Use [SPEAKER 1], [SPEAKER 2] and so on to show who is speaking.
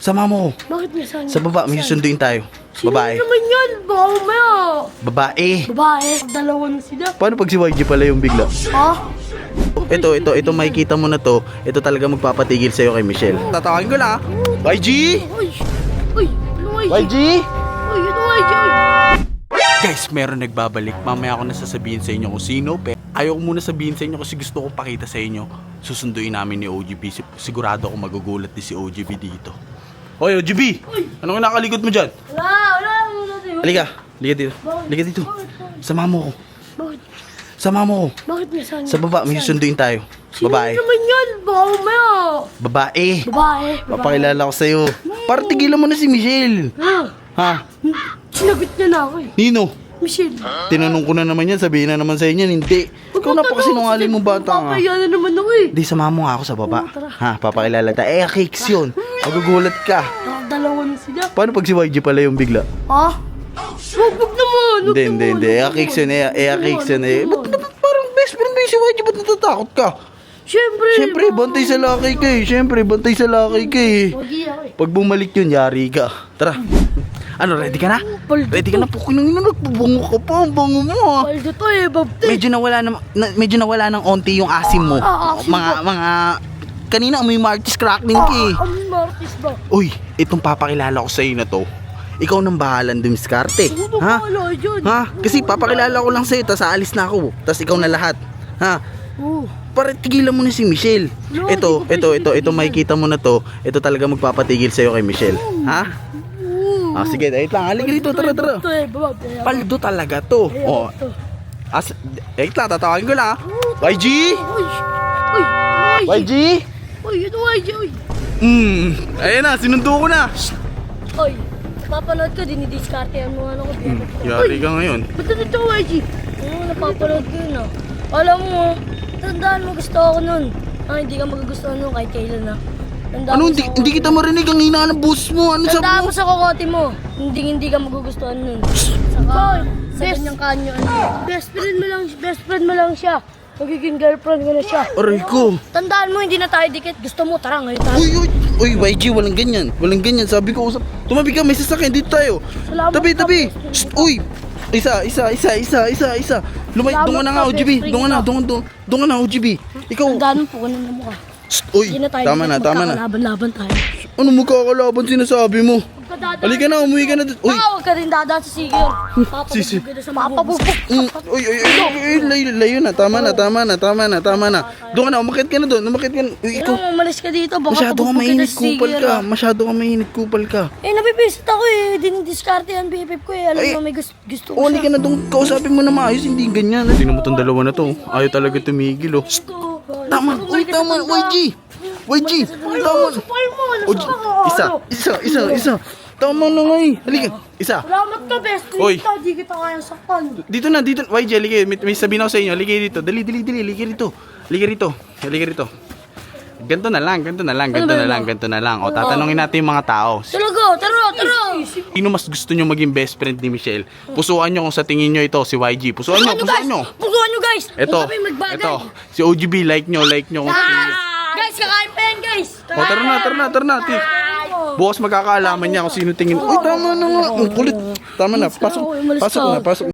[SPEAKER 1] Sama mo ko.
[SPEAKER 2] Bakit may saan?
[SPEAKER 1] Sa baba, may susunduin tayo.
[SPEAKER 2] Sino
[SPEAKER 1] Babae.
[SPEAKER 2] naman yan? Baka mamaya.
[SPEAKER 1] Babae.
[SPEAKER 2] Babae. Dalawa na sila.
[SPEAKER 1] Paano pag si YG pala yung bigla?
[SPEAKER 2] Ha?
[SPEAKER 1] Ito, makikita mo na to. Ito talaga magpapatigil sa'yo kay Michelle. Tatawagin ko na. YG!
[SPEAKER 2] Uy! Uy! Ano YG?
[SPEAKER 1] YG!
[SPEAKER 2] Uy! Ano YG?
[SPEAKER 1] Guys, meron nagbabalik. Mamaya ako nasasabihin sa inyo kung sino. Pero ayaw ko muna sabihin sa inyo kasi gusto ko pakita sa inyo. Susunduin namin ni OGB. Sigurado ako magugulat din si OGB dito. Hoy, OGB! Anong nakalikot mo dyan?
[SPEAKER 2] Wala muna tayo.
[SPEAKER 1] Halika dito. Halika dito. Sama mo ko.
[SPEAKER 2] Bakit?
[SPEAKER 1] Sama mo ko.
[SPEAKER 2] Bakit may saan?
[SPEAKER 1] Sa baba, may susunduin tayo.
[SPEAKER 2] Sino
[SPEAKER 1] Babae.
[SPEAKER 2] naman yan? Baka mamaya.
[SPEAKER 1] Babae.
[SPEAKER 2] Babae.
[SPEAKER 1] Papakilala ko sa'yo. Para tigilan mo na si Michelle.
[SPEAKER 2] Ha?
[SPEAKER 1] Ha?
[SPEAKER 2] Sinagot niya na ako eh.
[SPEAKER 1] Nino?
[SPEAKER 2] Michelle.
[SPEAKER 1] Tinanong ko na naman yan. Sabihin na naman sa'yo yan. Hindi. Ikaw na pa sinungaling mo bata nga.
[SPEAKER 2] Papaya na naman ako eh.
[SPEAKER 1] Di, sama mo nga ako sa baba.
[SPEAKER 2] Tara.
[SPEAKER 1] Ha? Papakilala tayo. Cakes yun. Magugulat ka.
[SPEAKER 2] Dalawa na sila.
[SPEAKER 1] Paano pag si YG pala yung bigla?
[SPEAKER 2] Ha? Wag naman.
[SPEAKER 1] Hindi. Cakes yun. Cakes yun. Ba't parang best friend mo yung si YG? Ba't natatakot ka? Siyempre, bantay sa lakay ka eh. Siyempre, bantay sa lakay ka eh.
[SPEAKER 2] Wagi ako eh.
[SPEAKER 1] Pag bumalik yun, yari ka. Tara. Ano, ready ka na? Ready ka na? Pukin ng nagbabango ka pa. Ang bango mo ah.
[SPEAKER 2] Paldo to eh, babte.
[SPEAKER 1] Medyo nawala ng onti yung asim mo.
[SPEAKER 2] Asim
[SPEAKER 1] Mga kanina may Martis crackling ka eh.
[SPEAKER 2] Ang Martis ba?
[SPEAKER 1] Uy, itong papakilala ko sa'yo na to. Ikaw nang bahalan dumiskarte.
[SPEAKER 2] Ano
[SPEAKER 1] Ha?
[SPEAKER 2] bahala dyan?
[SPEAKER 1] Ha? Kasi papakilala ko lang sa'yo, tas aalis na ako. Tas ikaw na lahat. Ha?
[SPEAKER 2] Oo.
[SPEAKER 1] Para tigilan mo na si Michelle.
[SPEAKER 2] No,
[SPEAKER 1] Ito,
[SPEAKER 2] di ko pa
[SPEAKER 1] ito makikita mo na to. Ito talaga magpapatigil sa'yo kay Michelle. Ha? Ah, sige, wait lang. Halika dito, tara.
[SPEAKER 2] Ito eh, babte.
[SPEAKER 1] Paldo talaga to. Oh. Wait lang, tatawagin ko na. YG!
[SPEAKER 2] Uy! Uy!
[SPEAKER 1] YG!
[SPEAKER 2] Uy! Ito YG! Uy!
[SPEAKER 1] Ayan na, sinundo ko na.
[SPEAKER 2] Uy! Napapanood ko, dinidiscarte ang mga ano ko.
[SPEAKER 1] Yari ka ngayon.
[SPEAKER 2] Ba't nandito ko YG? Oo, napapanood ko yun ah. Alam mo, tandaan mo gusto ako nun. Hindi ka magugustuhan nun kahit kailan ah. Tandaan
[SPEAKER 1] Ano,
[SPEAKER 2] mo
[SPEAKER 1] hindi,
[SPEAKER 2] sa
[SPEAKER 1] hindi kita marinig ang hina ng boses mo. Ano
[SPEAKER 2] Tandaan
[SPEAKER 1] sabi
[SPEAKER 2] mo
[SPEAKER 1] mo?
[SPEAKER 2] sa kokote mo, hindi ka magugustuhan nun. Saka, sa ganyang kanyo, best friend mo lang siya. Magiging girlfriend mo na siya.
[SPEAKER 1] Aray ko.
[SPEAKER 2] Tandaan mo, hindi na tayo dikit. Gusto mo, tara ngayon tayo.
[SPEAKER 1] Uy, YG, walang ganyan. Walang ganyan. Sabi ko, tumabi ka, may sasakyan. Dito tayo.
[SPEAKER 2] Salamat
[SPEAKER 1] Tabi.
[SPEAKER 2] ka,
[SPEAKER 1] Shh, uy. Isa. Lumay,
[SPEAKER 2] Salamat
[SPEAKER 1] doon ka na
[SPEAKER 2] ka,
[SPEAKER 1] nga, OGB.
[SPEAKER 2] best friend
[SPEAKER 1] Doon ka na,
[SPEAKER 2] ka.
[SPEAKER 1] doon ka na, OGB. Ikaw.
[SPEAKER 2] Tandaan mo, pukunan na mo ka.
[SPEAKER 1] Shh, uy,
[SPEAKER 2] Hindi na tayo
[SPEAKER 1] tama na.
[SPEAKER 2] Magkakalaban-laban tayo.
[SPEAKER 1] Ano magkakalaban sinasabi mo? Halika na, umuwi ka na. Uy.
[SPEAKER 2] Huwag ka rin dadaan sa sige yun.
[SPEAKER 1] Sisi.
[SPEAKER 2] Papabubog ka na sa mabubog.
[SPEAKER 1] Uy, layo na. Tama na. Doon ka na, umakit ka na doon. Uy, ikaw.
[SPEAKER 2] Kailangan umalis ka dito. Baka
[SPEAKER 1] Masyado kang
[SPEAKER 2] pabubog ka na
[SPEAKER 1] mainit,
[SPEAKER 2] sa sige
[SPEAKER 1] kupal
[SPEAKER 2] yun.
[SPEAKER 1] ka. Masyado kang mainit, kupal ka.
[SPEAKER 2] Nabibisit ako eh. Dinidiscarte yan, BFF ko eh. Alam mo, may gusto ko
[SPEAKER 1] Uli ka na doon, kausapin mo na maayos, hindi ganyan. Tingnan mo tong dalawa na to. Ayaw talaga tumigil, oh. Tama, YG. Tama. Isa. Tama na nga eh. Halika, isa.
[SPEAKER 2] Salamat ka, best friend.
[SPEAKER 1] Oy.
[SPEAKER 2] Di kita kayang sakpan.
[SPEAKER 1] Dito na, YG, halika. May sabihin ako sa inyo, halika dito. Dali, halika rito. Ganto na lang. O, tatanungin natin yung mga tao.
[SPEAKER 2] Tara.
[SPEAKER 1] Sino mas gusto nyo maging best friend ni Michelle? Pusuan nyo kung sa tingin nyo ito, si YG. Pusuan nyo.
[SPEAKER 2] Pusuan nyo, guys.
[SPEAKER 1] Ito,
[SPEAKER 2] Huwag kami magbagay.
[SPEAKER 1] si OGB, like nyo kung sino.
[SPEAKER 2] Guys, kakain pa yan, guys.
[SPEAKER 1] O, tara na. Bukas magkakaalaman niya kung sino tingin. Uy, tama na nga. Ang kulit. Tama na. Pasok na.